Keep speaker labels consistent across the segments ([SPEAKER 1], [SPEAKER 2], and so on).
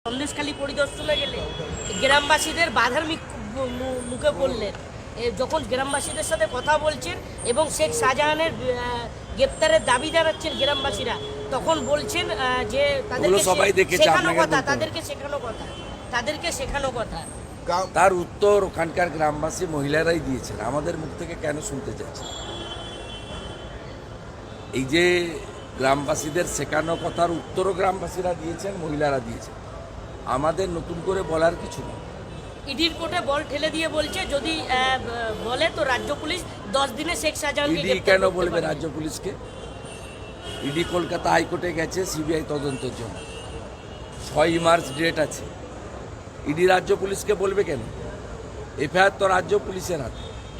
[SPEAKER 1] সন্দেশখালী পরিদর্শনে গেলে গ্রামবাসীদের বাধার মুখে পড়লেন। যখন গ্রামবাসীদের সাথে কথা বলছেন এবং শেখ শাহজাহানের গ্রেপ্তারের দাবি জানাচ্ছেন গ্রামবাসীরা, তখন বলছেন যে তাদেরকে শেখানো কথা।
[SPEAKER 2] তার উত্তর ওখানকার গ্রামবাসী মহিলারাই দিয়েছেন, আমাদের মুখ থেকে কেন শুনতে চাইছেন? এই যে গ্রামবাসীদের শেখানো কথার উত্তরও গ্রামবাসীরা দিয়েছেন, মহিলারা দিয়েছেন, আমাদের নতুন করে বলার কিছু নেই।
[SPEAKER 1] ইডির কোর্টে বল ঠেলে দিয়ে বলছে যদি বলে তো রাজ্য পুলিশ 10 দিনে শেখ শাহজাহানকে
[SPEAKER 2] ইডি কেন বলবে রাজ্য পুলিশকে? ইডি কলকাতা হাইকোর্টে গেছে সিবিআই তদন্তের জন্য, 6 মার্চ ডেট আছে। ইডি রাজ্য পুলিশকে বলবে কেন? এফআইআর তো রাজ্য পুলিশের হাতে।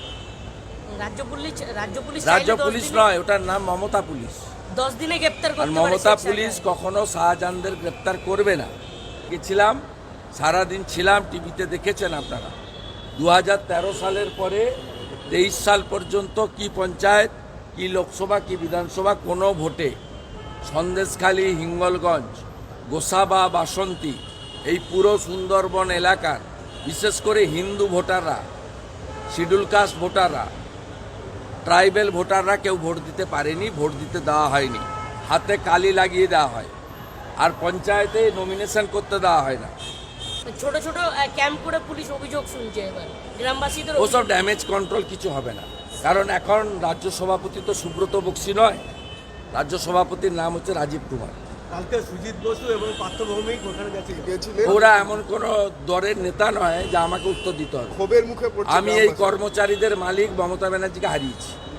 [SPEAKER 1] রাজ্য
[SPEAKER 2] পুলিশ নয়, ওটার নাম মমতা পুলিশ।
[SPEAKER 1] 10 দিনে গ্রেপ্তার করতে পারে।
[SPEAKER 2] মমতা পুলিশ কখনো শাহজাহানদের গ্রেপ্তার করবে না। গেছিলাম, সারাদিন ছিলাম, টিভিতে দেখেছেন আপনারা। 2013 সালের পরে 23 সাল পর্যন্ত কি পঞ্চায়েত, কি লোকসভা, কি বিধানসভা, কোনো ভোটে সন্দেশখালী, হিঙ্গলগঞ্জ, গোসাবা, বাসন্তী, এই পুরো সুন্দরবন এলাকার বিশেষ করে হিন্দু ভোটাররা, শিডিউল কাস্ট ভোটাররা, ট্রাইবেল ভোটাররা কেউ ভোট দিতে পারেনি, ভোট দিতে দেওয়া হয়নি। হাতে কালি লাগিয়ে দেওয়া হয়, আর পঞ্চায়েতে নমিনেশন করতে দেওয়া হয় না।
[SPEAKER 1] ছোট ছোট ক্যাম্প করে পুলিশ অভিযোগ শুনছে এবার গ্রামবাসীদের।
[SPEAKER 2] ওসব ড্যামেজ কন্ট্রোল কিছু হবে না, কারণ এখন রাজ্য সভাপতি তো সুব্রত বক্সি নয়, রাজ্য সভাপতির নাম হচ্ছে রাজীব কুমার।
[SPEAKER 3] কালকে সুজিত বসু এবং পার্থ ভৌমিক ওখানে গেছিলেন।
[SPEAKER 2] ওরা এমন কোনো দলের নেতা নয় যে আমাকে উত্তর দিতে হবে।
[SPEAKER 4] ক্ষোভের মুখে
[SPEAKER 2] আমি এই কর্মচারীদের মালিক মমতা ব্যানার্জিকে হারিয়েছি।